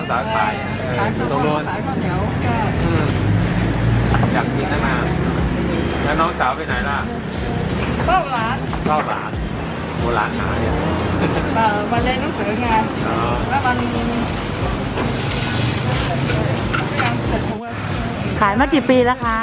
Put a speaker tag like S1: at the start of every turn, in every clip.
S1: สาวขายอยู่ตรงโน้น
S2: ขายข้าวเหนียว
S1: อยากกินตั้งนานแล้วน้องสาวไปไหนล่ะ
S2: ก็ร้าน
S1: เฝ้าหลานโบราณหาเนี่ย
S2: วันเรียนหนังสือไง
S1: อ๋อ
S2: แล้วมัน
S3: ขายมากี่ปีแล้วคะ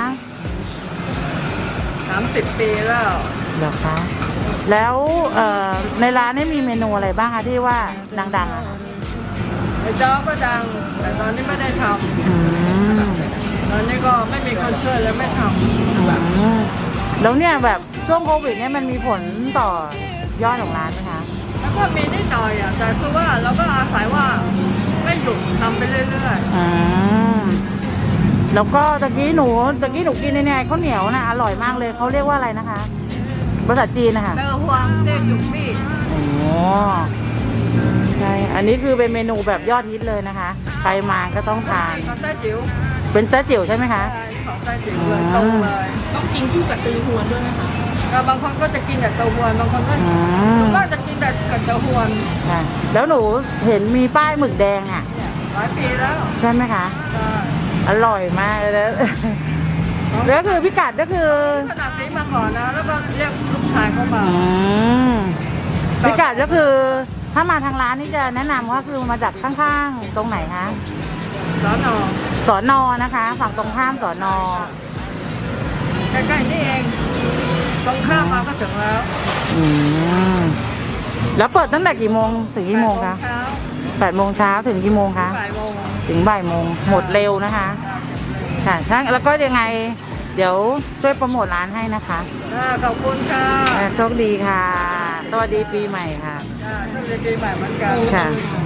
S2: 30 ปีแล้ว
S3: เหรอคะแล้วในร้านนี่มีเมนูอะไรบ้างคะที่ว่าดังๆอะคะ
S2: ไอ้จ้อก็ดัง แต่ตอนนี้ไม่ได้ท
S3: อืม
S2: ำตอนนี้ก็ไม่มีคนช่วยเลยไม่ท
S3: อืมแล้วเนี่ยแบบช่วงโควิดเนี่ยมันมีผลต่อยอดของร้านไหมคะ
S2: ำแล้วก็มีนิดหน่อยอ่ะแต่คือว่าเราก็อาศัยว่าไม่หยุดทำไปเรื่อย
S3: อืมแล้วก็ตะกี้หนูกินเนี่ยข้าวเหนียวนะอร่อยมากเลยเขาเรียกว่าอะไรนะคะภาษาจีนนะคะ
S2: ๆเตอร์ฮวงเต้หยุกมี่
S3: โอ้ใช่อันนี้คือเป็นเมนูแบบยอดฮิตเลยนะคะใครมาก็ต้องทาน
S2: ของไต้จิ๋ว
S3: เป็นแต้จิ๋วใช่ไหมคะ
S2: ใช่ของไต้จิ๋วเลยตรงเลย
S4: ต้องกินคู่กับตือหวนด้วยไหมคะ
S2: บางคนก็จะกินแต่เต้าหวนบางคนก็
S3: อืม
S2: ก็จะกินแต่กับเต้าหวน
S3: ค่ะแล้วหนูเห็นมีป้ายหมึกแดงอ่ะ
S2: หลายปีแล้ว
S3: ใช่ไหมคะ
S2: ใช่
S3: อร่อยมากเลยนะแล้วก็คือพิกัดก็คือ
S2: ขนาดนี้มาก่อนนะแล้วก็เรียกลูกชายเข้ามา
S3: อืมพิกัดก็คือถ้ามาทางร้านนี่จะแนะนำว่าคือมาจากข้างๆตรงไหนคะ
S2: สอนอ
S3: สอนอนะคะ ฝั่งตรงข้ามสอนอ
S2: ใกล้ๆนี่เองตรงข้ามมาก็ถึงแล้ว
S3: อืมแล้วเปิดตั้งแต่กี่โมงถึงกี่โมงคะ
S2: เช้า
S3: 8 โมงเช้าถึงกี่โมงคะ
S2: บ่ายโมง
S3: ถึงบ่ายโมงหมดเร็วนะคะค่ะถ้าแล้วก็ยังไง เดี๋ยวช่วยโปรโมทร้านให้นะคะ
S2: ขอบคุณค่ะ
S3: โชคดีค่ะ สวัสดีปีใหม่ค่ะ
S2: ต้องเรียนปีใหม่เหมือนกัน
S3: ค่ะ